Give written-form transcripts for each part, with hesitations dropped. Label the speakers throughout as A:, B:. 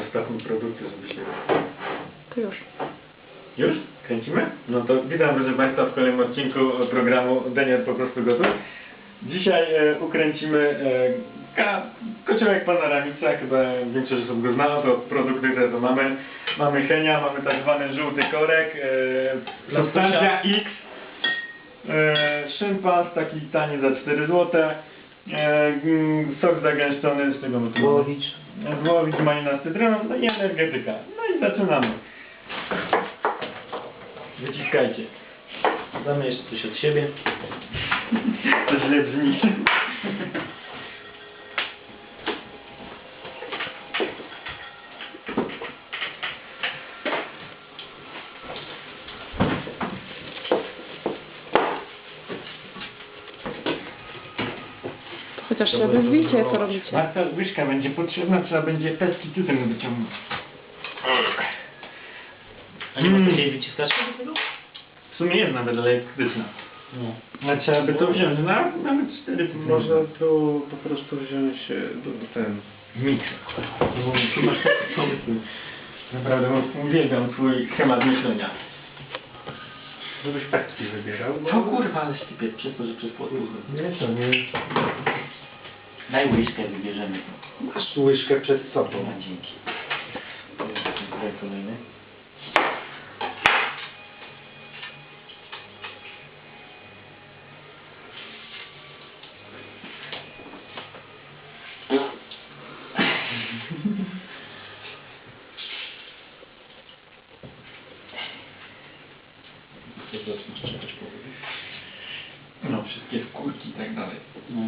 A: Dostawmy produkty, żeby się...
B: To już.
A: Już? Kręcimy? No to witam proszę Państwa w kolejnym odcinku programu Denier po prostu gotów. Dzisiaj ukręcimy kociołek Panoramica, chyba większość osób go zna, to produkty te to mamy. Mamy Henia, mamy tak zwany żółty korek, substancja X, szympans taki tani za 4 zł, sok zagęszczony z czego my tu
C: Głowicz.
A: Głowicz, malina z cytryną, no i energetyka. No i zaczynamy. Wyciskajcie.
C: Damy jeszcze coś od siebie.
A: To źle brzmi.
B: Chociaż się wyzwijcie, co robicie.
A: Marta, łyżka będzie potrzebna, trzeba będzie pestki tutaj wyciągnąć.
C: A nie ma takiej wyciskaczki do tego?
A: W sumie jest nawet elektryczna.
C: No.
A: Ale trzeba by to wziąć, no nawet 4
D: Można tu po prostu wziąć ten...
A: mikser. Tu masz taki pomysł. Naprawdę uwielbiam twój schemat myślenia.
D: Żebyś pestki wybierał.
A: O kurwa, ale stypię przez to, że przez płotkę.
D: Nie, to nie...
C: Daj łyżkę, wybierzemy.
D: Masz łyżkę przed sobą.
C: No, dzięki. Tutaj kolejny.
A: No, wszystkie skórki i tak dalej.
C: No.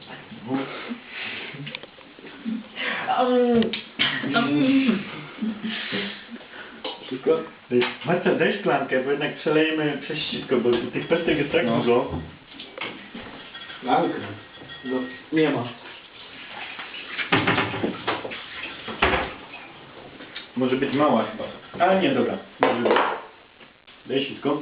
A: Wszystko? Marta, daj szklankę, bo jednak przelejemy przez sitko, bo tych pestek jest tak dużo.
D: Szklankę?
C: No, nie ma.
A: Może być mała chyba. Ale nie, dobra. Może być. Daj sitko.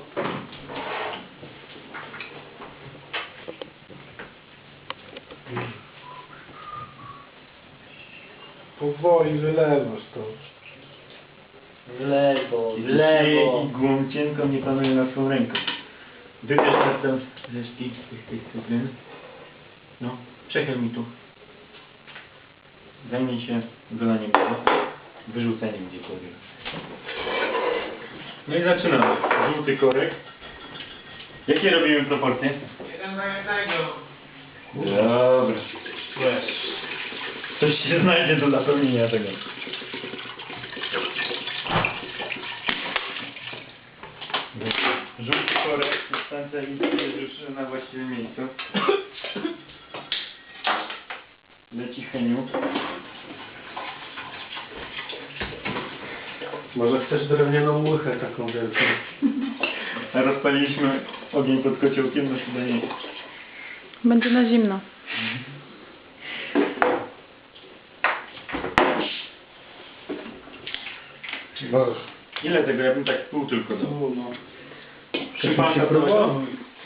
D: Powoli wylewasz to.
C: W lewo, w
A: I
C: lewo.
A: igłą cienką nie panuje nad swoją ręką. Wybierz teraz resztki tych cytryn. No, przechyl mi tu. Zajmij się wylaniem tego. Wyrzuceniem gdziekolwiek. No i zaczynamy. Żółty korek. Jakie robimy proporcje?
C: 1 do 1.
A: Dobra. Coś się znajdzie do zapełnienia tego. Żółty korek, substancja jest już na właściwym miejscu. Leci Heniu.
D: Może chcesz drewnianą łychę taką wielką?
A: A rozpaliliśmy ogień pod kociołkiem, no chyba nie.
B: Będzie na zimno.
D: Boże.
A: Ile tego? Ja bym tak pół tylko dał.
C: No.
A: Szympasa
D: się próbował.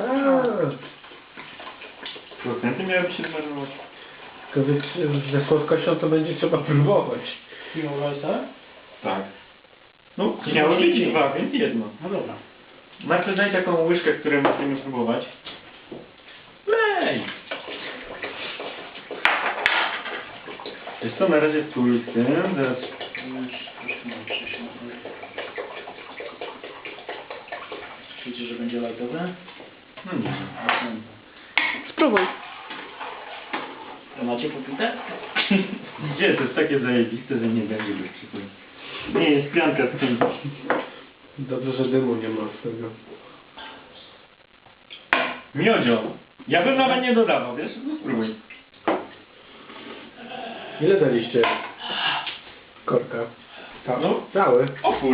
A: Procenty miałyby się zmarnować.
D: Tylko ze słodkością to będzie trzeba próbować.
A: Tak. No, miało być 2, więc jedno.
C: No dobra.
A: Marta, daj taką łyżkę, której musimy spróbować. Lej! Jest to na razie stój z tym, zaraz...
C: Wiecie, że będzie lajtowe?
A: No nie.
B: Spróbuj.
C: A macie popite?
A: Gdzie? To jest takie zajebiste, że nie będzie bez przykładu. Nie, jest pianka z tym.
D: Dobrze, że dymu nie ma z tego.
A: Miodzio. Ja bym nawet nie dodawał, wiesz? No spróbuj.
D: Ile daliście korka?
A: No.
D: Cały.
A: Opór.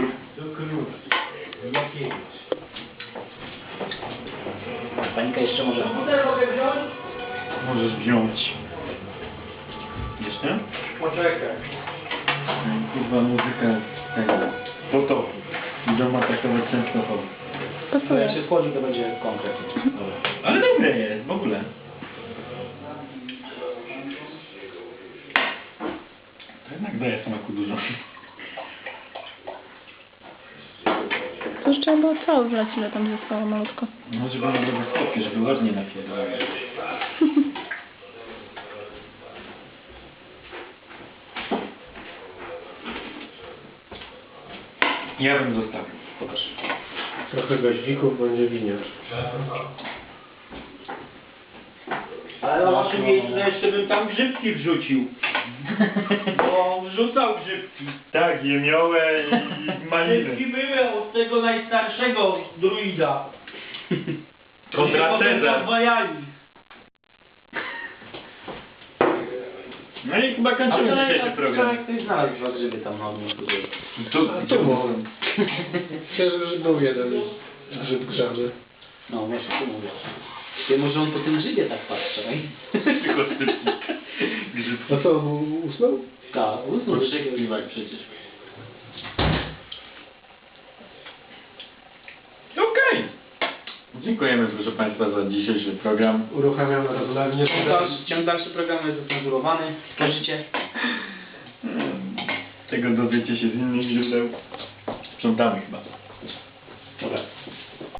C: Panika jeszcze może?
A: Możesz wziąć. Jeszcze?
D: Poczekaj.
A: Kurwa muzyka tego. Potopu. Idą atakować Częstochowy.
C: To jak
B: Pasuje.
C: się schodzi, to będzie konkretnie. Dobra.
A: Ale dobre jest, w ogóle. To jednak daje smaku dużo.
B: To już trzeba było cały wlać, ile tam zostało malutko.
C: No, żeby one były chłopie, żeby ładnie napierdalały.
A: Ja bym zostawił.
C: Pokaż.
D: Trochę goździków będzie winiarz.
E: Ale na waszym miejscu jeszcze bym tam grzybki wrzucił. Bo wrzucał grzybki.
A: Tak, jemiołę i maliny.
E: Grzybki były od tego najstarszego druida.
A: Kontra
E: Potem
A: Cezar.
E: podwajali.
A: No i chyba
C: A
A: kończymy
C: wczoraj,
A: dzisiejszy program.
C: ktoś znalazł dwa grzyby tam na odmówku.
D: A tu może. Myślę, że był jeden grzyb grzany.
C: No, właśnie tu mówię. Ty, może on po tym grzybie tak patrzy,
A: Tylko stypnik. Grzyb.
D: A co, usnął?
C: Tak, usnął śpiewak przecież.
A: Okej. Dziękujemy proszę Państwa za dzisiejszy program.
D: Uruchamiamy rozlewnię.
C: Ciąg dalszy programu jest zacenzurowany. Każecie?
A: Tego dowiecie się z innych źródeł. Sprzątamy chyba.
C: Dobra.